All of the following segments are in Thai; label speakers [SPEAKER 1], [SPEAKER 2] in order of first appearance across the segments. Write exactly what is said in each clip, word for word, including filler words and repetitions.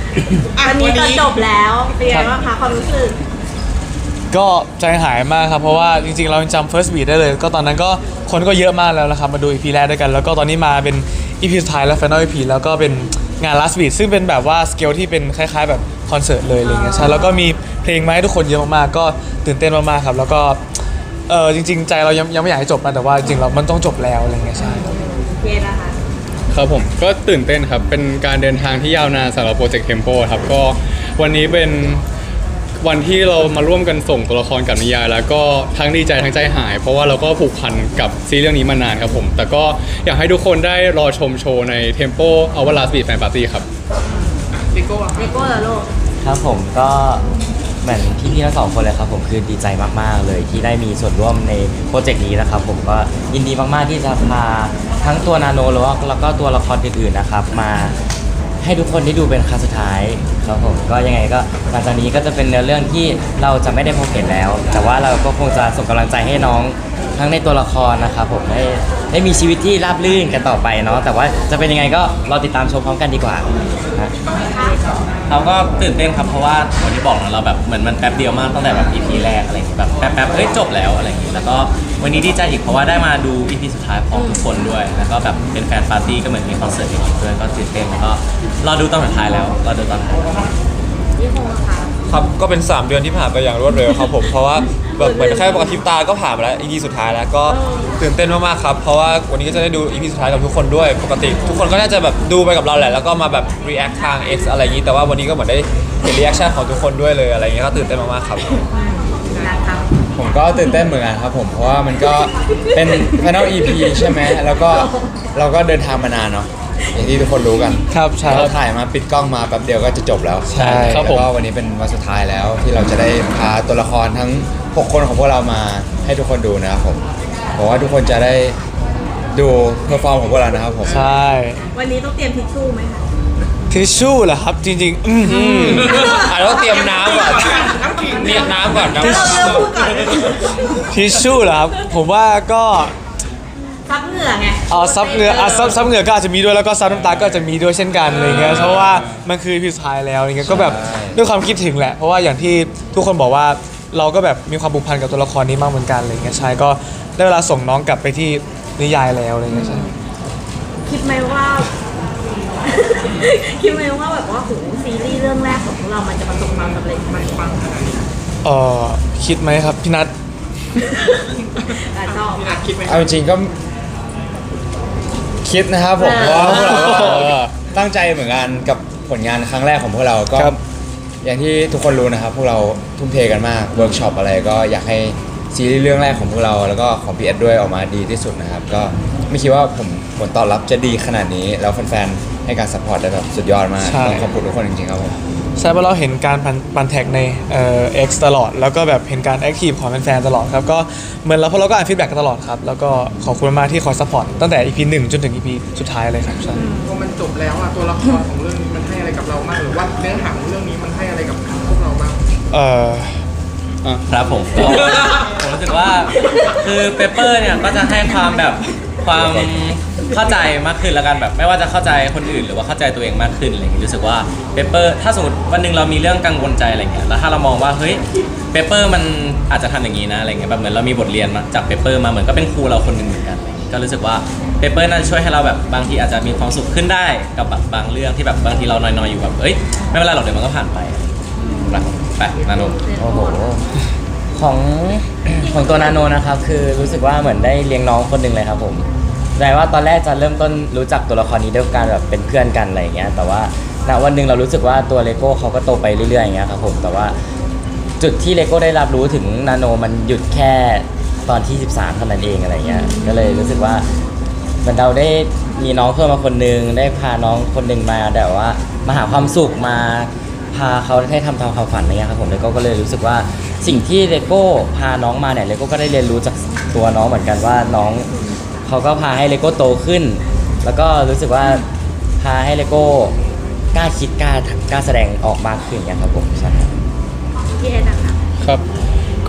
[SPEAKER 1] วันนี้ก็จบแล้วเป็นไงบ้างคะความรู้สึก
[SPEAKER 2] ก็ใจหายมากครับเพราะว่าจริงๆเราจำ first beat ได้เลยก็ตอนนั้นก็คนก็เยอะมากแล้วนะครับมาดู อี พี แรกด้วยกันแล้วก็ตอนนี้มาเป็น อี พี สุดท้ายแล้ว final อี พี แล้วก็เป็นงาน last beat ซึ่งเป็นแบบว่าสเกลที่เป็นคล้ายๆแบบคอนเสิร์ตเลยอะไรเงี้ยใช่แล้วก็มีเพลงมาให้ทุกคนเยอะมากๆก็ตื่นเต้นมากๆครับแล้วก็เออจริงๆใจเรายังยังไม่อยากให้จบนะแต่ว่าจริงๆเรามันต้องจบแล้วอะไรเงี้ยใช่
[SPEAKER 1] เย็นนะคะ
[SPEAKER 3] ครับผมก็ตื่นเต้นครับเป็นการเดินทางที่ยาวนานสำหรับโปรเจกต์เทมโปครับก็วันนี้เป็นวันที่เรามาร่วมกันส่งตัวละครกับนิยายแล้วก็ทั้งดีใจทั้งใจหายเพราะว่าเราก็ผูกพันกับซีรีส์เรื่องนี้มานานครับผมแต่ก็อยากให้ทุกคนได้รอชมโชว์ใน Tempo Our Last Beat Fan Party ครับ
[SPEAKER 1] เลโก้เลโก้เหรอลูก
[SPEAKER 4] ครับผมก็เหมือนพี่ๆทั้งสองคนเลยครับผมคือดีใจมากๆเลยที่ได้มีส่วนร่วมในโปรเจกต์นี้นะครับผมก็ยินดีมากๆที่จะพาทั้งตัวนาโนแล้วแล้วก็ตัวละครอื่นๆนะครับมาให้ทุกคนได้ดูเป็นครั้งสุดท้ายครับผมก็ยังไงก็หลังจากนี้ก็จะเป็นเนื้อเรื่องที่เราจะไม่ได้พบเห็นแล้ว แต่ว่าเราก็คงจะส่งกำลังใจให้น้องทั้งในตัวละครนะครับผมได้ได้มีชีวิตที่ราบรื่นกันต่อไปเนาะแต่ว่าจะเป็นยังไงก็รอติดตามชมพร้อมกันดีกว่านะ
[SPEAKER 5] เราก็ตื่นเต้นครับเพราะว่าวันที่บอกนะเราแบบเหมือนมันแป๊บเดียวมากตั้งแต่แบบ อี พี แรกอะไรอย่างเงี้ยแบบแป๊บๆเอ้ยจบแล้วอะไรอย่างเงี้ยแล้วก็วันนี้ดีใจอีกเพราะว่าได้มาดู อี พี สุดท้ายพร้อมทุกคนด้วยแล้วก็แบบเป็นแฟนปาร์ตี้ก็เหมือนมีคอนเสิร์ตจริงๆด้วยก็ตื่นเต้นแล้วก็รอดูตอนสุดท้ายแล้วรอดูตอนท้าย
[SPEAKER 6] ครับก็เป็นสามเดือนที่ผ่านไปอย่างรวดเร็วครับผมเพราะว่าแบบเหมือนแค่ปกติตาก็ผ่านมาแล้ว อี พี สุดท้ายแล้วก็ตื่นเต้นมากๆครับเพราะว่าวันนี้ก็จะได้ดู อี พี สุดท้ายกับทุกคนด้วยปกติทุกคนก็น่าจะแบบดูไปกับเราแหละแล้วก็มาแบบ react ทาง X อะไรอย่างนี้แต่ว่าวันนี้ก็เหมือนได้เห็น reaction ของทุกคนด้วยเลยอะไรอย่างเงี้ยก็ตื่นเต้นมากๆครับ
[SPEAKER 7] ผมก็ตื่นเต้นเหมือนกันครับผมเพราะว่ามันก็เป็น Final อี พี ใช่ไหมแล้วก็เราก็เดินทางมานานเนาะอย่างที่ทุกคนรู้กัน
[SPEAKER 2] ครับใช่
[SPEAKER 7] เราถ่ายมาปิดกล้องมาแป๊บเดียวก็จะจบแล้ว
[SPEAKER 2] ใช่
[SPEAKER 7] ครับผมแล้วก็วันนี้เป็นวันสุดท้ายแล้วที่เราจะได้พาตัวละครทั้งหกคนของพวกเรามาให้ทุกคนดูนะครับผมบอกว่าทุกคนจะได้ดูเพอร์ฟอร์มของพวกเรานะครับผม
[SPEAKER 2] ใช่
[SPEAKER 1] วันนี้ต้องเตรียมทิชชู่ไหมคะ
[SPEAKER 2] ทิชชู่เหรอครับจริงๆอืม
[SPEAKER 6] อ่ะต้องเตรียมน้ำก่อนเตรียมน้ำก่อนน้ำ
[SPEAKER 1] เราเริ่มพูดก่อน
[SPEAKER 2] ทิชชู่เหรอครับผมว่าก็
[SPEAKER 1] ซับเหงื่อไง
[SPEAKER 2] อ๋อซับเหงื่ออ่ะซับซับเหงื่อก็อาจจะมีด้วยแล้วก็ซับน้ำตาก็อาจจะมีด้วยเช่นกันอะไรเงี้ยเพราะว่ามันคือพิสุดท้ายแล้วอะไรเงี้ยก็แบบด้วยความคิดถึงแหละเพราะว่าอย่างที่ทุกคนบอกว่าเราก็แบบมีความผูกพันกับตัวละครนี้มากเหมือนกันอะไรเงี้ยใช่ก็ได้เวลาส่งน้องกลับไปที่นิยายแล้วอะไรเงี้ยใช่
[SPEAKER 1] คิดไหมว่าคิดไหมว่าแบบว่าโหซีรีส์เรื่องแรกของพวกเรามันจะประสบความสำเร็จมันฟังขนาดนี้
[SPEAKER 2] เออคิดไหมครับพี่นัท
[SPEAKER 1] ชอบ
[SPEAKER 7] เอาจริงก็คิดนะครับผมเพราะว่าพวกเราก็ตั้งใจเหมือนกันกับผลงานครั้งแรกของพวกเราก็อย่างที่ทุกคนรู้นะครับพวกเราทุ่มเทกันมากเวิร์กช็อปอะไรก็อยากให้ซีรีส์เรื่องแรกของพวกเราแล้วก็ของพีเอสด้วยออกมาดีที่สุดนะครับก็ไม่คิดว่าผมผลตอบรับจะดีขนาดนี้แล้วแฟนๆให้การซัพพอร์ตได้แบบสุดยอดมากต้องขอบคุณทุกคนจริงๆครับผม
[SPEAKER 2] ใช่เพราะเราเห็นการปันแท็กในเอ่อ X ตลอดแล้วก็แบบเห็นการแอคทีฟของแฟนๆตลอดครับก็เหมือนเราพวกเราก็อ่านฟีดแบ็กกันตลอดครับแล้วก็ขอบคุณมากที่คอยซัพพอร์ตตั้งแต่ อี พี หนึ่งจนถึง อี พี สุดท้ายเลยครับใช่
[SPEAKER 8] พอมันจบแล้วอ่ะตัวละครของเรื่องนี้มันให้อะไรกับเราบ้างหรือว่าเนื้อหาของเรื่องนี้มันให้อะไรกับพวกเราบ้าง
[SPEAKER 2] เออ
[SPEAKER 5] ครับผมก็ผมรู้สึกว่าคือเปเปอร์เนี่ยก็จะให้ความแบบความเข้าใจมากขึ้นแล้วกันแบบไม่ว่าจะเข้าใจคนอื่นหรือว่าเข้าใจตัวเองมากขึ้นอะไรอย่างเงี้ยรู้สึกว่าเปเปอร์ถ้าสมมติวันหนึ่งเรามีเรื่องกังวลใจอะไรเงี้ยแล้วถ้าเรามองว่าเฮ้ยเปเปอร์มันอาจจะทำอย่างนี้นะอะไรเงี้ยแบบเหมือนเรามีบทเรียนมาจากเปเปอร์มาเหมือนก็เป็นครูเราคนหนึ่งเหมือนกันอะไรเงี้ยก็รู้สึกว่าเปเปอร์น่าจะช่วยให้เราแบบบางทีอาจจะมีความสุขขึ้นได้กับแบบบางเรื่องที่แบบบางทีเรานอยๆอยู่แบบเอ้ยไม่เป็นไรหรอกเดี๋ยวมันก็ผ่านไปนะไปนาโน
[SPEAKER 4] โอ้โหของของตัวนาโนนะครับคือรู้สึกว่าเหมือนได้เลี้ยงน้องคนหนึ่งเลยครับผมแปลว่าตอนแรกจะเริ่มต้นรู้จักตัวละครนี้ด้วยการแบบเป็นเพื่อนกันอะไรอย่างเงี้ยแต่ว่าณวันหนึ่งเรารู้สึกว่าตัวเลโก้เขาก็โตไปเรื่อยๆอย่างเงี้ยครับผมแต่ว่าจุดที่เลโก้ได้รับรู้ถึงนาโนมันหยุดแค่ตอนที่สิบสามเท่านั้นเองอะไรเงี้ยก็เลยรู้สึกว่าเหมือนเราได้มีน้องเพิ่มมาคนนึงได้พาน้องคนนึงมาแต่ว่ามาหาความสุขมาพาเขาให้ทำตามความฝันอะไรเงี้ยครับผมเลโก้ก็เลยรู้สึกว่าสิ่งที่เลโก้พาน้องมาเนี่ยเลโก้ก็ได้เรียนรู้จากตัวน้องเหมือนกันว่าน้องเขาก็พาให้เลโก้โตขึ้นแล้วก็รู้สึกว่าพาให้เลโก้กล้าคิดกล้ากล้าแสดงออกมากขึ้นอย่างเงี้ยครับผมใช่
[SPEAKER 1] พี่เอ็ดนะคะ
[SPEAKER 3] ครับ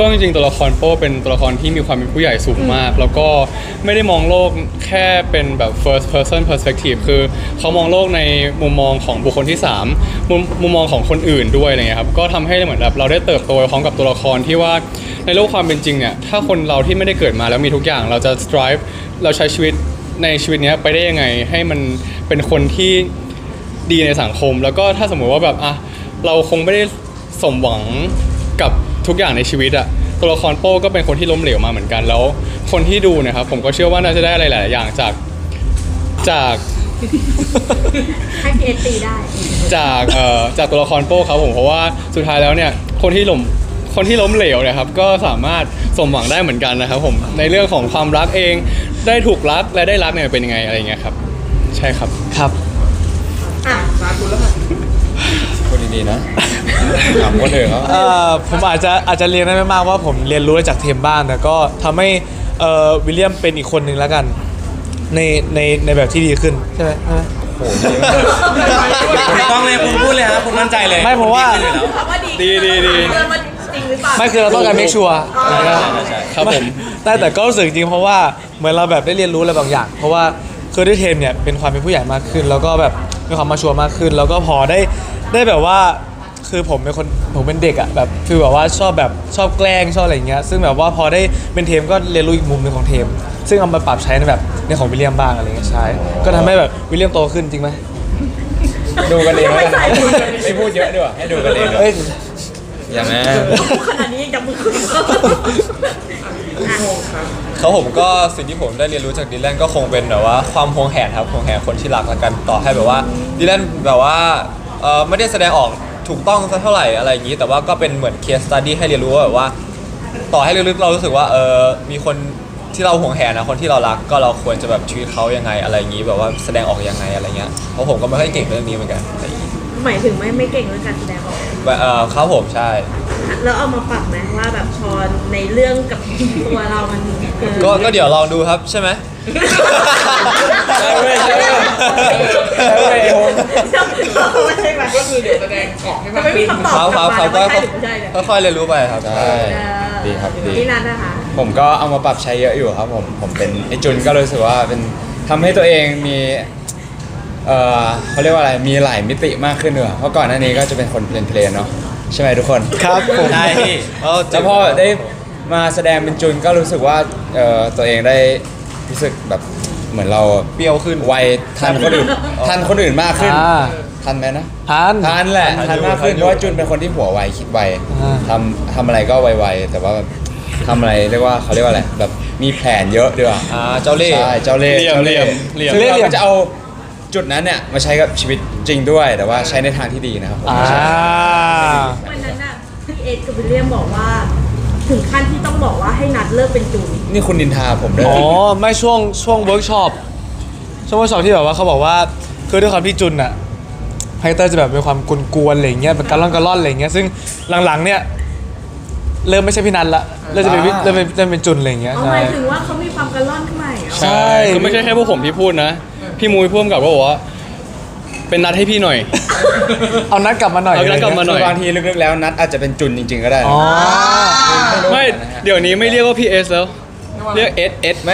[SPEAKER 3] ก็จริงๆตัวละครโป้เป็นตัวละครที่มีความเป็นผู้ใหญ่สูงมาก แล้วก็ไม่ได้มองโลกแค่เป็นแบบ first person perspective คือเขามองโลกในมุมมองของบุคคลที่สามมุมมุมมองของคนอื่นด้วยอะไรเงี้ยครับก็ทำให้เหมือนแบบเราได้เติบโตไปพร้อมกับตัวละครที่ว่าในโลกความเป็นจริงเนี่ยถ้าคนเราที่ไม่ได้เกิดมาแล้วมีทุกอย่างเราจะ strive เราใช้ชีวิตในชีวิตเนี้ยไปได้ยังไงให้มันเป็นคนที่ดีในสังคม แล้วก็ถ้าสมมุติว่าแบบอ่ะเราคงไม่ได้สมหวังกับทุกอย่างในชีวิตอะตัวละครโป้ก็เป็นคนที่ล้มเหลวมาเหมือนกันแล้วคนที่ดูเนะครับผมก็เชื่อว่าน่าจะได้อะไรหลายๆอย่างจากจาก
[SPEAKER 1] ให้พีเอสตีได้
[SPEAKER 3] จากเอ่อจากตัวละครโป้ครับผมเพราะว่าสุดท้ายแล้วเนี่ยคนที่ล้มคนที่ล้มเหลวเนี่ยครับก็สามารถสมหวังได้เหมือนกันนะครับผมในเรื่องของความรักเองได้ถูกรักและได้รักเนี่ยเป็นยังไงอะไรเงี้ยครับใช่ครับ
[SPEAKER 2] ครับ
[SPEAKER 1] อ่ะ
[SPEAKER 8] สาธุแล้วค่ะ
[SPEAKER 7] คนดีๆนะถามคนอื่นเขา
[SPEAKER 2] เอ่อผมอาจจะอาจจะเรียนได้ไม่มากว่าผมเรียนรู้ได้จากเทมบ้างแต่ก็ทำให้เอ่อวิลเลียมเป็นอีกคนหนึ่งแล้วกันในในในแบบที่ดีขึ้นใช่ไหมใช่ไหม
[SPEAKER 7] โอ้โหดีมาก
[SPEAKER 5] ถูกต้องเลยคุณพูดเลยครับคุณมั่นใจเลย
[SPEAKER 2] ไม่เพราะว่า
[SPEAKER 5] คุณดีขึ้นอยู่แล้ว
[SPEAKER 1] คำว่าดี
[SPEAKER 3] ดีดีดี
[SPEAKER 1] เรื่องมันจริงหรือเปล่า
[SPEAKER 2] ไม่คือเราต้องการ make sure นะครับ
[SPEAKER 3] ครับผม
[SPEAKER 2] แต่แต่ก็รู้สึกจริงเพราะว่าเหมือนเราแบบได้เรียนรู้อะไรบางอย่าง เพราะว่าคือด้วยเทมเนี่ยเป็นความเป็นผู้ใหญ่มากขึ้น แล้วก็แบบมีความมาชัวร์มากขึ้น แล้วก็พอได้ได้แบบว่าคือผมเป็นคนผมเป็นเด็กอะแบบคือแบบว่าชอบแบบชอบแกล้งชอบอะไรอย่างเงี้ยซึ่งแบบว่าพอได้เป็นเทมก็เรียนรู้อีกมุมหนึงของเทม ซึ่งเอามาปรับใช้ในแบบในของวิลเลียมบ้างอะไรเงี้ยใช่ก็ทำให้แบบวิลเลียมโตขึ้นจริงไหม
[SPEAKER 7] ดูกันเองแล้วกันไม่พูดเยอะด้วยให้ดูกันเอง
[SPEAKER 2] เอ้ย
[SPEAKER 7] อย่างนั้น
[SPEAKER 1] ขนาดนี้ยังจะมือขึ้น
[SPEAKER 6] เขาผมก็สิ่งที่ผมได้เรียนรู้จากดีแลนก็คงเป็นแบบว่าความหวงแหนครับหวงแหนคนที่รักละกันต่อให้แบบว่าดีแลนแบบว่าเออไม่ได้แสดงออกถูกต้องสักเท่าไหร่อะไรอย่างนี้ แต่ว่าก็เป็นเหมือนเคสสตัดดี้ให้เรียนรู้ว่าแบบว่า ต่อให้ลึกๆเรารู้สึกว่าเออมีคนที่เราหวงแหนนะคนที่เรารักก็เราควรจะแบบชีวิตเขายังไงอะไรอย่างนี้แบบว่าแสดงออกยังไงอะไรเงี้ยเพราะผมก็ไม่ค่อยเก่งเรื่องนี้เหมือนกันอะไรอย่างนี้
[SPEAKER 1] หมายถึงไม่ไม่เก่งเรื่องการแสดงออก
[SPEAKER 6] แบบเออครับผมใช่
[SPEAKER 1] แล้วเอามาปรับไหมว่าแบบพอในเรื่องกับตัวเรามันเออ
[SPEAKER 6] ก็ก็เดี๋ยวลองดูครับใช่ไหม
[SPEAKER 7] ใช่เว้ยใช่เว้ยใช่เว้ยโฮม
[SPEAKER 1] ใช่ไหม
[SPEAKER 8] ก็คือเดี๋ยวแสดงออกให้
[SPEAKER 1] แต่
[SPEAKER 8] มาก
[SPEAKER 1] ไม่มี
[SPEAKER 8] ขึ้น
[SPEAKER 1] คำตอบ
[SPEAKER 6] ครับครับครับ
[SPEAKER 1] กลั
[SPEAKER 6] ก็
[SPEAKER 1] บมาว่าใช่หรือไม่ใช่เนี่ย
[SPEAKER 6] ค่อยๆเรียนรู้ไปครับ
[SPEAKER 7] ใช่ดีครับดี
[SPEAKER 1] พี่นัทนะคะ
[SPEAKER 7] ผมก็เอามาปรับใช้เยอะอยู่ครับผม ผมเป็นไอจุนก็รู้สึกว่าเป็นทำให้ตัวเองมี เอ่อเขาเรียกว่าอะไร มีหลายมิติมากขึ้นด้วยเพราะก่อนหน้านี้ก็จะเป็นคนเพลนเพลนๆเนาะใช่ไหมทุกคน
[SPEAKER 2] ครับผม
[SPEAKER 5] ใช่พี่
[SPEAKER 6] เออ
[SPEAKER 7] แล้วพอได้มาแสดงเป็นจุนก็รู้สึกว่าเอ่อตัวเองได้รู้สึกแบบเหมือนเรา
[SPEAKER 6] เปรี้ยวขึ้น
[SPEAKER 7] วัยทันคนอื่นทันคนอื่นมากขึ้น
[SPEAKER 2] อ่า
[SPEAKER 7] ทันไหมนะ
[SPEAKER 2] ทัน
[SPEAKER 7] ทันแหละ
[SPEAKER 6] ทั
[SPEAKER 7] ทั
[SPEAKER 6] น
[SPEAKER 7] น
[SPEAKER 6] อยู่
[SPEAKER 7] มากขึ้น
[SPEAKER 6] ทันอยู่
[SPEAKER 7] เพราะว่าจุนเป็นคนที่หัวไวคิดไว
[SPEAKER 2] อ่า
[SPEAKER 7] ทำทำอะไรก็ไวๆแต่ว่าแบบทำอะไรเรียกว่าเขาเรียกว่าอะไรแบบมีแผนเยอะด้วย
[SPEAKER 6] อ่าเจ้าเล่ห์
[SPEAKER 7] ใช่เจ้าเล่ห์
[SPEAKER 3] เหลี่ยม
[SPEAKER 7] เจ้าเล่ห์
[SPEAKER 3] เหลี่ยม
[SPEAKER 7] ซึ่ง
[SPEAKER 2] เหลี่ยม
[SPEAKER 7] เราก็จะเอาจุดนั้นเนี่ยมาใช้กับชีวิตจริงด้วย แต่ว่าใช้ในทางที่ดีนะครับผม
[SPEAKER 2] อ่า
[SPEAKER 7] ใช่
[SPEAKER 1] วันนั้นน่ะพี่เอ็ดกับวิลเลียมบอกว่า ถึงขั้นที่ต้องบอกว่าให้นัดเลิกเป็นจูน
[SPEAKER 7] นี่คุณนินทาผมด้วย
[SPEAKER 2] อ๋อไม่ช่วงช่วงเวิร์กช็อปช่วงเวิร์กช็อปที่แบบว่าเขาบอกว่าคือด้วยความที่จุนอะไฮเตอร์จะแบบมีความกวนๆอะไรอย่างเงี้ยเป็นการล่อนการล่อนอะไรอย่างเงี้ยซึ่งหลังๆเนี่ยเริ่มไม่ใช่พี่นัทละเริ่มจะเป็นวิเริ่มเป็นเริ่มเป็นจุนอะไรอย่างเงี้ย
[SPEAKER 1] เอา
[SPEAKER 2] ใช่
[SPEAKER 1] หมายถึงว่าเขามีความกระล่อนขึ้นมาเหรอ
[SPEAKER 2] ใช่
[SPEAKER 3] ก็ไม่ใช่แค่พวกผมที่พูดนะ พี่มุ้ยพ่วงกับก็บอกว่า เป็นนัดให้พี่หน่อย
[SPEAKER 2] เอานัดกลับมาหน่อย
[SPEAKER 3] เอานัดกลับมาหน่
[SPEAKER 7] คื
[SPEAKER 3] อย
[SPEAKER 7] อบางทีลึกๆแล้วนัดอาจจะเป็นจุนจริง ๆ ก็ได้นะ
[SPEAKER 2] อ๋อ
[SPEAKER 3] ไม่เดี๋ยวนี้ไม่เรียกว่าพี่เอสแล้ว เรียกเอสเอส
[SPEAKER 7] ไม่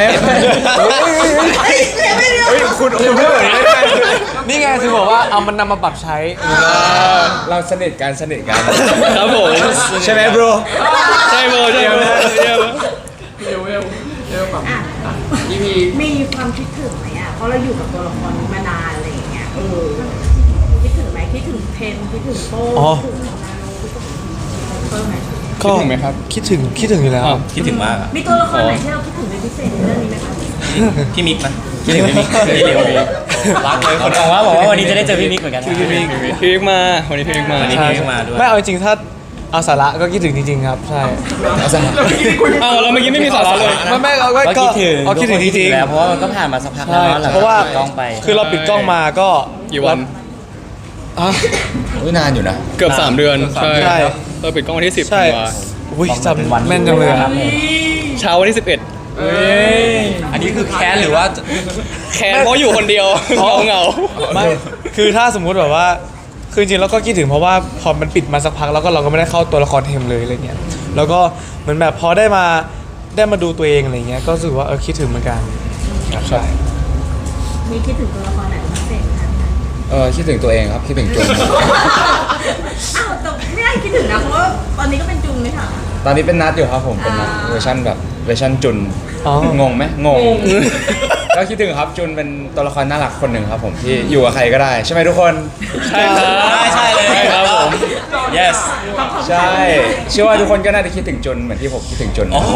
[SPEAKER 7] เฮ้ยคุณคุณพูดแบบนี้ไม่ได้
[SPEAKER 2] นี่ไงถึงบอกว่าเอามันนำมาปรับใช้
[SPEAKER 7] เราสนิทกันสนิทกัน
[SPEAKER 3] ครับผม
[SPEAKER 7] ใช่ไหม bro
[SPEAKER 3] ใช่โบใช่โบใช่โบ
[SPEAKER 8] เร็วเร็วเร็วแบบ
[SPEAKER 1] อ่ะ
[SPEAKER 8] อีพี
[SPEAKER 1] มีความคิดถึงไหมอ่ะเพราะเราอยู่กับตัวละครนี้มานานอะไรอย่างเงี้ยเออคิดถึงไหมคิดถึงเพนคิดถึงโป้
[SPEAKER 2] อ๋อ
[SPEAKER 1] คิดถึงนาโนคิดถึงเพิ่มไหม
[SPEAKER 2] ก็
[SPEAKER 3] คิดถึงไหมครับ
[SPEAKER 2] คิดถึงคิดถึงอยู่แล้ว
[SPEAKER 3] อ้าว
[SPEAKER 5] คิดถึงมากอะ
[SPEAKER 1] มีตัวละครไหนที่เราคิดถึงเป็นพิเศษในเรื่องนี้ไหมคะ
[SPEAKER 5] พี่มิกนะคิดถึงพี่มิกพี่เลียว
[SPEAKER 6] รักเลยคน
[SPEAKER 4] บอกว่าบอกว่าวันนี้จะได้เจอพี่มิกเหมือนกันนะ
[SPEAKER 2] พี่มิก
[SPEAKER 3] พี่มิกมาวันนี้พี่มิกมา
[SPEAKER 5] วันนี้
[SPEAKER 2] ใช่
[SPEAKER 5] พี่มิกมาด้วย
[SPEAKER 2] ไม่เอาจริงๆถ้าเอาสาระก็คิดถึงจริงๆครับใช่
[SPEAKER 7] เอาซะ
[SPEAKER 3] อ้าวเราเมื่อกี้ไม่มีสาระเลย
[SPEAKER 2] ไม่ไม่เราก็
[SPEAKER 4] ก็คิดถึง
[SPEAKER 2] เอาคิดถึงจริง
[SPEAKER 4] แล้วเพราะว่ามันก็ผ่านมาสักพัก
[SPEAKER 2] ๆ
[SPEAKER 4] แล้ว
[SPEAKER 2] ใช่
[SPEAKER 4] เนาะหลัง
[SPEAKER 2] เพราะว่า
[SPEAKER 4] ปิดกล้องไป
[SPEAKER 2] คือเราปิดกล้องมาก็
[SPEAKER 3] กี่วัน
[SPEAKER 2] อ่ะ
[SPEAKER 7] อุ๊ยนานอยู่นะ
[SPEAKER 3] เกือบสามเดือน ใช่
[SPEAKER 2] ใช่
[SPEAKER 3] เราปิดกล้องวันที่สิบ
[SPEAKER 2] ใช่
[SPEAKER 3] ธันวา
[SPEAKER 2] อุ้ยจำแม่นจังเลยอะ
[SPEAKER 3] เช้าวันที่สิบเอ็ด
[SPEAKER 5] อันนี้คือแค้นหรือว่า
[SPEAKER 3] แค้นเพราะอยู่คนเดียวเหงาเหงา
[SPEAKER 2] ไม่คือถ้าสมมุติแบบว่า คคือจริงๆแล้วก็คิดถึงเพราะว่าพอมันปิดมาสักพักแล้วก็เราก็ไม่ได้เข้าตัวละครเทมเลยอะไรเงี้ยแล้วก็เหมือนแบบพอได้มาได้มาดูตัวเองอะไรเงี้ยก็รู้สึกว่าเออคิดถึงเหมือนกันใช่
[SPEAKER 1] มีคิดถึงตัวละครไหนเป็นพิเศษไหมคะ
[SPEAKER 7] เออคิดถึงตัวเองครับคิดถึงจุน
[SPEAKER 1] อ้าวแต่ไม่ได้คิดถึงนะเพราะว่าตอนนี้ก็เป็นจุงไม่ใช่เหรอ
[SPEAKER 7] ตอนนี้เป็นนัดอยู่ครับผมเป็นนัด
[SPEAKER 1] อ่า
[SPEAKER 7] เวอร์ชันแบบเวอร์ชันจุน
[SPEAKER 2] อ๋อ
[SPEAKER 7] งงไหมงง ก็คิดถึงครับจุนเป็นตัวละครน่ารักคนหนึ่งครับผมที่อยู่กับใครก็ได้ใช่ไหมทุกคน
[SPEAKER 2] ใช่ครับ
[SPEAKER 5] ใช่ใช่เลยครับผม yes
[SPEAKER 7] ใช่เชื่อว่าทุกคนก็น่าจะคิดถึงจุนเหมือนที่ผมคิดถึงจุน
[SPEAKER 5] โอ้โห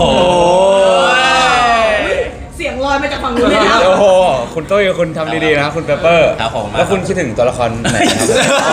[SPEAKER 1] เสียงลอยมาจากฝั่งนู้นเลยนะ
[SPEAKER 7] โอ้โหคุณตุ้ยคุณทำดีๆนะครับคุณเปเปอร์
[SPEAKER 5] ครับผม
[SPEAKER 7] แล้วคุณคิดถึงตัวละครไหนครับ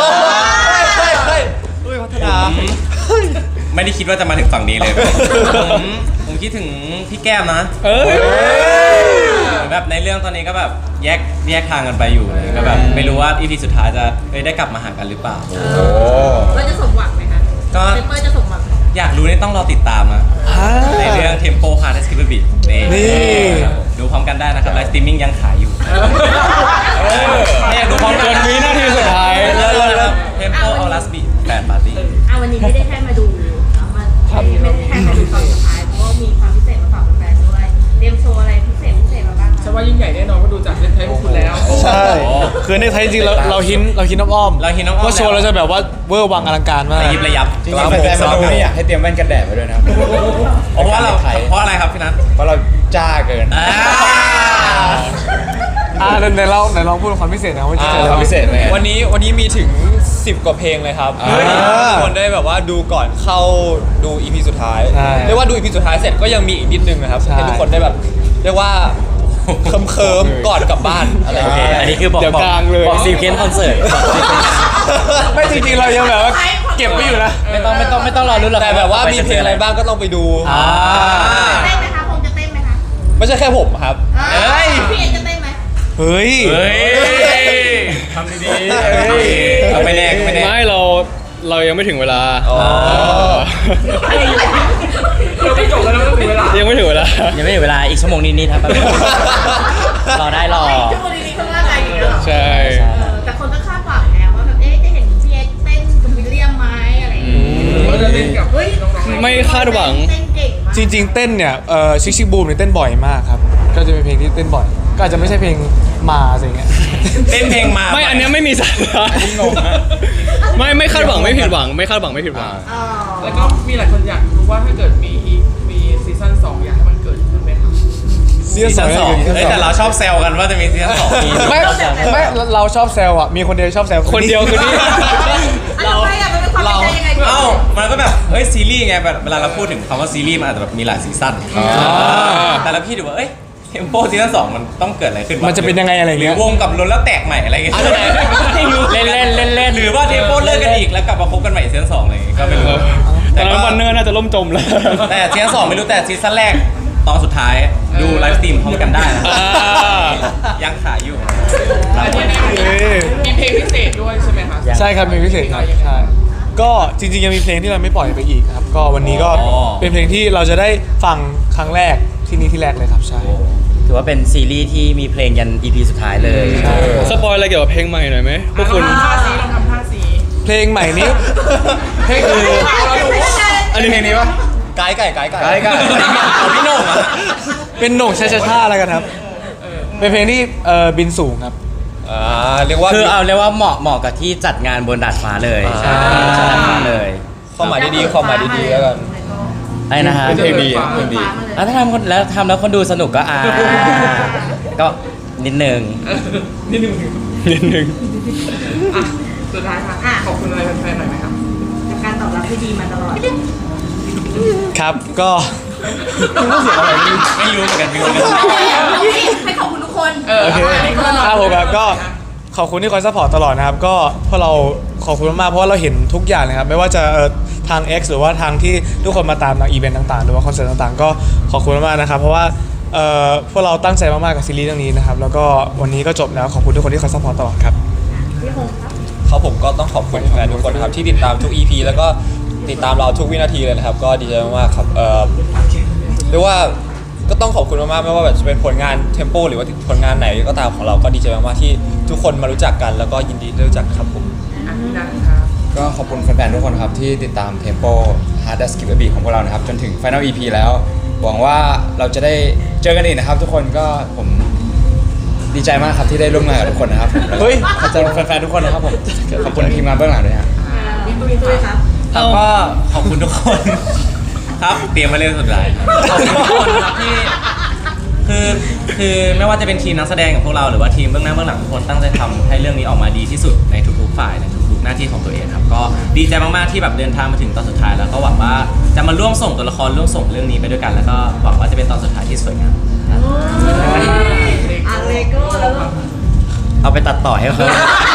[SPEAKER 2] อุ้ยพัฒนา
[SPEAKER 5] ไม่ได้คิดว่าจะมาถึงฝั่งนี้เลยผมผมคิดถึงพี่แก้มนะ
[SPEAKER 2] เอ้ย
[SPEAKER 5] เหมือนแบบในเรื่องตอนนี้ก็แบบแยกแยกทางกันไปอยู่เลยก็แบบไม่รู้ว่าอีพีสุดท้ายจะเอ้ยได้กลับมาหากันหรือเปล่า
[SPEAKER 7] โอ้
[SPEAKER 1] เราจะสมหวังไหมคะ
[SPEAKER 5] ก็
[SPEAKER 1] เปเปอร์จะสมหวังไหม
[SPEAKER 5] อยากรู้นี่ต้องรอติดตามนะในเรื่อง Tempo Hard Escape Beat นี่
[SPEAKER 2] นี่
[SPEAKER 5] ครับผมดูพร้อมกันได้นะครับไลฟ์สตรีมมิ่งยังขายอยู่ถ้าอยากดูพร้อมกัน
[SPEAKER 2] จนวินาทีสุดท้าย
[SPEAKER 5] เลิศๆนะครับ Tempo All Last Beat แปด Party
[SPEAKER 1] อ่ะวันนี้ไม่ได้แค่มาดูเอามาไม่ได้แค่มาดูตอนสุดท้ายเพราะว่ามีความพิเศษมาฝากแฟนๆด้วยเตรียมโชว์อะไรพิเศษพิเศษมาบ้างคะ
[SPEAKER 8] ฉันว่ายิ่งใหญ่แน่นอนเพราะดูจากเล่นไทยพวกคุณแล้ว
[SPEAKER 2] ใช่คือในไทยจริงๆเราเราหินเราหินอ้อมๆ
[SPEAKER 5] เราหินอ้อมๆ
[SPEAKER 2] ว่าโชว์เราจะแบบว่าเวอร์วังอลังการมาก
[SPEAKER 5] ระยิบระยับ
[SPEAKER 7] จริงๆแฟนๆมาดูนี่อยากให้เตรียมแว่นกันแดดไว้ด้วยนะครับ
[SPEAKER 5] เพราะว่าเรา
[SPEAKER 7] ไทย
[SPEAKER 5] เพราะอะไรครับพี่นัท
[SPEAKER 7] เพราะเราจ้าเกิน
[SPEAKER 5] อ่า
[SPEAKER 2] อ่าในเราในลองพูดความพิเศษนะว่าจะเจอ
[SPEAKER 7] ค
[SPEAKER 2] อะไร
[SPEAKER 7] วามพิเศษไหม
[SPEAKER 6] วันนี้วันนี้มีถึงสิบกว่าเพลงเลยครับ
[SPEAKER 7] อ่า
[SPEAKER 6] ทุกคนได้แบบว่าดูก่อนเข้าดู อี พี สุดท้าย
[SPEAKER 2] ใช่
[SPEAKER 6] เรียกว่าดู อี พี สุดท้ายเสร็จก็ยังมีอีกนิดนึงนะครับ
[SPEAKER 2] ใช่
[SPEAKER 6] ให้ทุกคนได้แบบเรียกว่าเคิมเคิมๆก่อนกลับบ้านอะไร
[SPEAKER 5] โอ
[SPEAKER 6] อย่าง
[SPEAKER 5] เค
[SPEAKER 6] เงี้ย
[SPEAKER 5] อันนี้คือบอก
[SPEAKER 2] เดี๋ยว
[SPEAKER 5] บอก
[SPEAKER 2] กลางเลย
[SPEAKER 5] บอกซีเคนคอนเสิร์ต
[SPEAKER 2] ไม่จริงๆเรายังแบบว่าเก็บไว้อยู่นะ
[SPEAKER 5] ไม่ต้องไม่ต้องไม่ต้องรอรุ้นหรอก
[SPEAKER 6] แต่แบบว่ามีเพลงอะไรบ้างก็ต้องไปดู
[SPEAKER 5] อ่า
[SPEAKER 1] เต้นไหมคะคงจะเต้นไหมคะ
[SPEAKER 6] ไม่ใช่แค่ผมครับ
[SPEAKER 1] เอ้ยพี่เอ็นจะเต้นไหม
[SPEAKER 2] เฮ้ย
[SPEAKER 5] เฮ้ยทำดีๆเอาไม่แน่ก็ไม่แน่
[SPEAKER 3] ไม่เราเรายังไม่ถึงเวลา
[SPEAKER 6] อ๋อ
[SPEAKER 8] เราไปจบแล้วเราไม่ถึงเวลา
[SPEAKER 3] ยังไม่ถึงเวลา
[SPEAKER 5] ยังไม่ถึงเวลาอีกชั่วโมงนิดๆครับแป๊บนึงรอได้รอ
[SPEAKER 1] ชั่วโมงนี้เขาว่าไงอย่างเงี้ยเหรอ
[SPEAKER 3] ใช่
[SPEAKER 1] เออแต่คนก็คาดหวังไงว่าแบบเอ๊ะจะเห็นพี่เอ็กเต้นกับวิลเลียมไหมอะไรอย่างเงี้ย
[SPEAKER 8] เราจะเล่นกับ
[SPEAKER 1] เฮ้ย
[SPEAKER 8] น้องๆ
[SPEAKER 3] ไม่คาดหวัง
[SPEAKER 1] เต้นเก่งมาก
[SPEAKER 2] จริงๆเต้นเนี่ยเอ่อชิคชิคบูมเนี่ยเต้นบ่อยมากครับก็จะเป็นเพลงที่เต้นบ่อย ก็อาจจะไม่ใช่เพลงมาอะไรเงี้ย
[SPEAKER 5] เต้นเพลงมา
[SPEAKER 3] ไม่อันเนี้ยไม่มีสาระไม่ไม่คาดหวังไม่ผิดหวัง ไม่คาดหวังไม่ผิดหวัง
[SPEAKER 1] เออ
[SPEAKER 8] แล้วก็มีหลายคนอยากรู้ว่าถ้าเกิดมีอีกมีซีซั่นสองอยากให้มันเกิดขึ้นไหมครับ
[SPEAKER 2] ซีซั่นสอง
[SPEAKER 5] เฮ้ยแต่เราชอบแซวกันว่าจะมีซีซั่นสองมี
[SPEAKER 2] ไม่ไม่เราชอบแซวอ่ะมีคนเดียวชอบแซว
[SPEAKER 3] คนเดียวคือนี่
[SPEAKER 1] เราไม่อะมันเป็นความเป็นใจยังไงพี่
[SPEAKER 5] เอ้ามันก็แบบเฮ้ยซีรีส์ไงแบบเวลาเราพูดถึงคำว่าซีรีส์มันอาจจะแบบมีหลายซีซั่นแต่ละพี่ดูว่าเอ้ยเทมโปซีซั่นสองมันต้องเกิดอะไรขึ้นว
[SPEAKER 2] มันจะเป็นยังไงอะไร
[SPEAKER 5] หรื
[SPEAKER 2] เงี้
[SPEAKER 5] อย วงกับล้นแล้วแตกใหม่อะไรเงี้ยไม่รู้
[SPEAKER 4] เล่นเล่นเล่นเล่น
[SPEAKER 5] หรือว่าเทมโปเลิกกันอีกแล้วกลับมาคบกันใหม่ซีซั่นสองอะไรอย่างเงี้ยก็ไม่รู้
[SPEAKER 3] ต
[SPEAKER 5] แต่
[SPEAKER 3] อน
[SPEAKER 5] ก็
[SPEAKER 3] นั้นวันเนอร์น่าจะล่มจมแล้ว
[SPEAKER 5] แต่ซีซั่นสองไม่รู้แต่ซีซั่นแรกตอนสุดท้ายดูไลฟ์สตรีมพร้อมกันได้นะ
[SPEAKER 3] อ่า
[SPEAKER 5] ยังขายอยู่
[SPEAKER 8] อันนี้มีเพลงพิเศษด้วยใช่ไหมคะ
[SPEAKER 2] ใช่ครับมีพิเศษครับใช่ก็จริงๆยังมีเพลงที่เราไม่ปล่อยไปอีกครับก็วันนี้ก็เป็นเพลงที่เราจะได้ฟังครั้งแรกที่นี่ที่แรกเลยครับใช่
[SPEAKER 4] ถือว่าเป็นซีรีส์ที่มีเพลงยัน อี พี สุดท้ายเลย
[SPEAKER 2] ใช่
[SPEAKER 3] สปอยอะไรเกี่ยวกับเพลงใหม่หน่อยไหมพวกคุณ
[SPEAKER 8] ลองทำท่าสีลองทำท่าสี
[SPEAKER 2] เพลงใหม่นี้เพลงคือ
[SPEAKER 7] อันนี้เพลงนี้ปะ
[SPEAKER 6] ไก่ไก่ไก่ไก่
[SPEAKER 7] ไก่ไก่
[SPEAKER 5] เอาพี่โหน่งอะ
[SPEAKER 2] เป็นโหน่งชาชาชาอะไรกันครับเป็นเพลงที่เอ่อบินสูงครับ
[SPEAKER 6] อ่าเรียกว่า
[SPEAKER 4] คือเอาเรียกว่าเหมาะเหมาะกับที่จัดงานบนดาดฟ้าเลย
[SPEAKER 6] ใช่
[SPEAKER 4] จัดดาดฟ้าเลย
[SPEAKER 6] ความหมายดีๆความหมายดีๆแล้วกัน
[SPEAKER 4] ไอ้นะฮะ
[SPEAKER 7] เป็นเพลงดีครับเพลงดี
[SPEAKER 4] แล้วถ้าทำคนแล้วทำแล้วคนดูสนุกก็อ่าก็นิดนึง
[SPEAKER 8] นิดนึง
[SPEAKER 3] นิดนึง
[SPEAKER 8] อ่ะสุดท้ายค่ะขอบคุณอะไรแฟนๆหน่อยไหมครับ
[SPEAKER 1] กับการตอบรับที่ดีมาตลอด
[SPEAKER 2] ครับก็
[SPEAKER 5] ไม่รู้เหมือนกันไม่รู้เหมือนกัน
[SPEAKER 1] ให้ขอบคุณทุกคน
[SPEAKER 8] เออ
[SPEAKER 2] โอเค
[SPEAKER 8] ให้คน
[SPEAKER 2] ครับผมครับก็ขอบคุณที่คอยซัพพอร์ตตลอดนะครับก็พวกเราขอบคุณมากๆเพราะว่าเราเห็นทุกอย่างเลยครับไม่ว่าจะเอ่อทาง X หรือว่าทางที่ทุกคนมาตามทางอีเวนต์ต่างๆหรือว่าคอนเสิร์ตต่างๆ ก็ขอบคุณมากๆนะครับเพราะว่าเอ่อพวกเราตั้งใจมากๆกับซีรีส์เรื่องนี้นะครับแล้วก็วันนี้ก็จบแล้วขอบคุณทุกคนที่คอยซัพพอร์ตตลอดครับ
[SPEAKER 1] พี่คงครับ
[SPEAKER 6] ครับผมก็ต้องขอบคุณแฟนทุกคนนะครับที่ติดตามทุก อี พี แล้วก็ติดตามเราทุกวินาทีเลยนะครับ ก็ดีใจมากๆครับเอ่อเรียกว่าก็ต้องขอบคุณมากๆไม่ว่าแบบจะเป็นผลงานเทมโปหรือว่าผลงานไหนก็ตามของเราก็ดีใจมากๆที่ทุกคนมารู้จักกัน แล้วก็ยินดีได้รู้จักครับผม
[SPEAKER 8] อันนี้นะ
[SPEAKER 7] ก็ขอบคุณแฟนๆทุกคนครับที่ติดตาม Tempo Hard Skip a Beat ของพวกเรานะครับจนถึง Final อี พี แล้วหวังว่าเราจะได้เจอกันอีกนะครับ ทุกคนก็ผมดีใจมากครับที่ได้ร่วมงานกับทุกคนนะครับผมแล้วก็
[SPEAKER 2] เฮ้ย
[SPEAKER 7] ขอบคุณแฟนๆทุกคนนะครับผมขอบคุณทีมงานเบื้องหลังด้วยฮะ
[SPEAKER 1] พี่ตุ้ยตุ้ยครับ
[SPEAKER 5] แล้วก็ขอบคุณทุกคน ครับเตรียมมาเรื่องสุดท้ายขอบคุณทุกคนครับที่คือคือไม่ว่าจะเป็นทีมนักแสดงของพวกเราหรือว่าทีมเบื้องหน้าเบื้องหลังทุกคนตั้งใจทำให้เรื่องนี้ออกมาดีที่สุดในทุกๆฝ่ายในทุกๆหน้าที่ของตัวเองครับก็ดีใจมากๆที่แบบเดินทางมาถึงตอนสุดท้ายแล้วก็หวังว่าจะมาร่วมส่งตัวละครร่วมส่งเรื่องนี้ไปด้วยกัน แล้วก็หวังว่าจะเป็นตอนสุดท้ายที่สวยงามครับ
[SPEAKER 1] อ่ะเลโก้แล้วก็
[SPEAKER 4] เอาไปตัดต่อให้เขา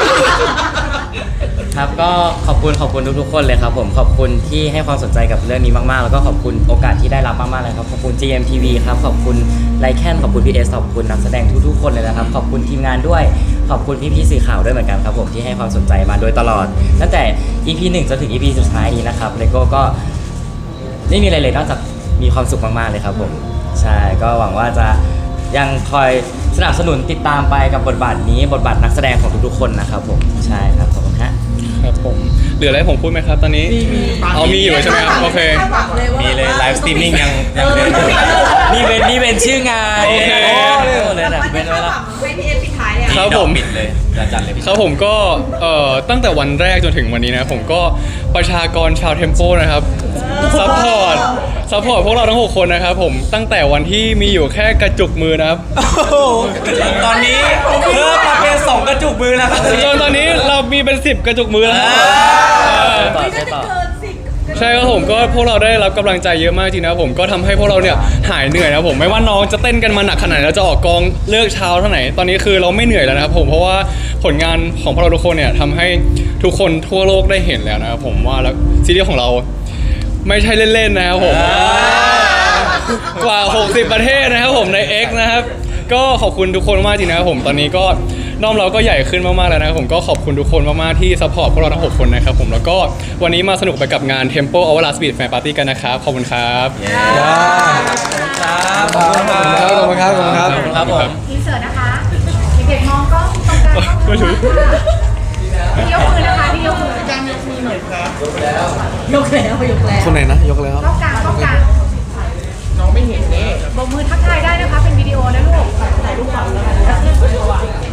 [SPEAKER 4] ครับก็ขอบคุณขอบคุณทุกๆคนเลยครับผมขอบคุณที่ให้ความสนใจกับเรื่องนี้มากๆแล้วก็ขอบคุณโอกาสที่ได้รับมากๆเลยครับขอบคุณ จี เอ็ม ที วี ครับขอบคุณไลแคนขอบคุณ พี เอส ขอบคุณนักแสดงทุกๆคนเลยนะครับขอบคุณทีมงานด้วยขอบคุณพี่ๆสื่อข่าวด้วยเหมือนกันครับผมที่ให้ความสนใจมาโดยตลอดตั้งแต่ อี พี หนึ่งจนถึง อี พี สุดท้ายนี้นะครับเลโก้ก็ไม่มีอะไรเลยนอกจากมีความสุขมากๆเลยครับผมใช่ก็หวังว่าจะยังคอยสนับสนุนติดตามไปกับบทบาทนี้บทบาทนักแสดงของทุกๆคนนะครับผมใช่ครับขอบคุณฮะ
[SPEAKER 3] ครับผมเหลืออะไรให้ผมพูดไหมครับตอนนี้เอามีอยู่ใช่ไหมครับโอเค
[SPEAKER 5] มีเลยไลฟ์สตรีมมิ่งยังยังเดิน
[SPEAKER 4] นี่เป็นนี่เป็นชื่องาน
[SPEAKER 3] โอเค
[SPEAKER 4] เลย
[SPEAKER 1] แต่
[SPEAKER 4] นะ
[SPEAKER 1] ว่า
[SPEAKER 4] เป็
[SPEAKER 1] จะ
[SPEAKER 4] น
[SPEAKER 1] เข้า
[SPEAKER 4] เวลา
[SPEAKER 1] ฝั่งให้พี่เอฟปิดท้ายเลย
[SPEAKER 3] ครับผม
[SPEAKER 5] ปิดเลยจะจัดเลยพี่
[SPEAKER 3] ครับผมก็เอ่อตั้งแต่วันแรกจนถึงวันนี้นะผมก็ประชากรชาวเทมโปนะครับซัพพอร์ตซัพพอร์ตพวกเราทั้งหกคนนะครับผมตั้งแต่วันที่มีอยู่แค่กระจุกมือนะครับ
[SPEAKER 5] ตอนนี้เพิ่มมาเป็นสองกระจุกมือแล้วครับ
[SPEAKER 3] จนตอนนี้เรามีเป็นสิบกระจุกมือแล้วครับเออ
[SPEAKER 4] ต่อ
[SPEAKER 1] ไม่
[SPEAKER 4] ใช่
[SPEAKER 1] น่าจะ
[SPEAKER 4] ต่อ
[SPEAKER 1] เกินสิบ
[SPEAKER 3] ใช่ครับผมก็พวกเราได้รับกำลังใจเยอะมากจริงนะผมก็ทำให้พวกเราเนี่ยหายเหนื่อยนะครับผมไม่ว่าน้องจะเต้นกันมาหนักขนาดไหนเราจะออกกองเลิกเช้าเท่าไหร่ตอนนี้คือเราไม่เหนื่อยแล้วนะครับผมเพราะว่าผลงานของพวกเราทุกคนเนี่ยทำให้ทุกคนทั่วโลกได้เห็นแล้วนะครับผมว่าแล้วซีรีส์ของเราไม่ใช่เล่นๆนะครับผมกว่าหกสิบประเทศนะครับผมใน X นะครับก็ขอบคุณทุกคนมากจริงนะครับผมตอนนี้ก็น้องเราก็ใหญ่ขึ้นมากๆแล้วนะครับผมก็ขอบคุณทุกคนมากๆที่ซัพพอร์ตพวกเราทั้งหกคนนะครับผมแล้วก็วันนี้มาสนุกไปกับงาน Tempo Hour Last Beat Fan Party กันนะครับขอบคุณครับ
[SPEAKER 5] ครับขอบคุณครั
[SPEAKER 2] ขอบคุณครับขอบคุณครับ
[SPEAKER 5] ครับผม
[SPEAKER 9] อินเสิร์ตนะคะเด็กๆมองกล้องตรงกลางกล้องค่ะพี่ยกมือนะคะพี่ยกมือการยกมือหน่อยครับ
[SPEAKER 1] ยกแล้วยกแล้ว
[SPEAKER 2] คนไหนนะยกแล้ว
[SPEAKER 9] กล้องกลางกล้องกลาง
[SPEAKER 8] น้องไม่เห็นนี่
[SPEAKER 9] บอกมือทักทายได้นะคะเป็นวิดีโอนะลูกถ่ายรูปก่อนเลย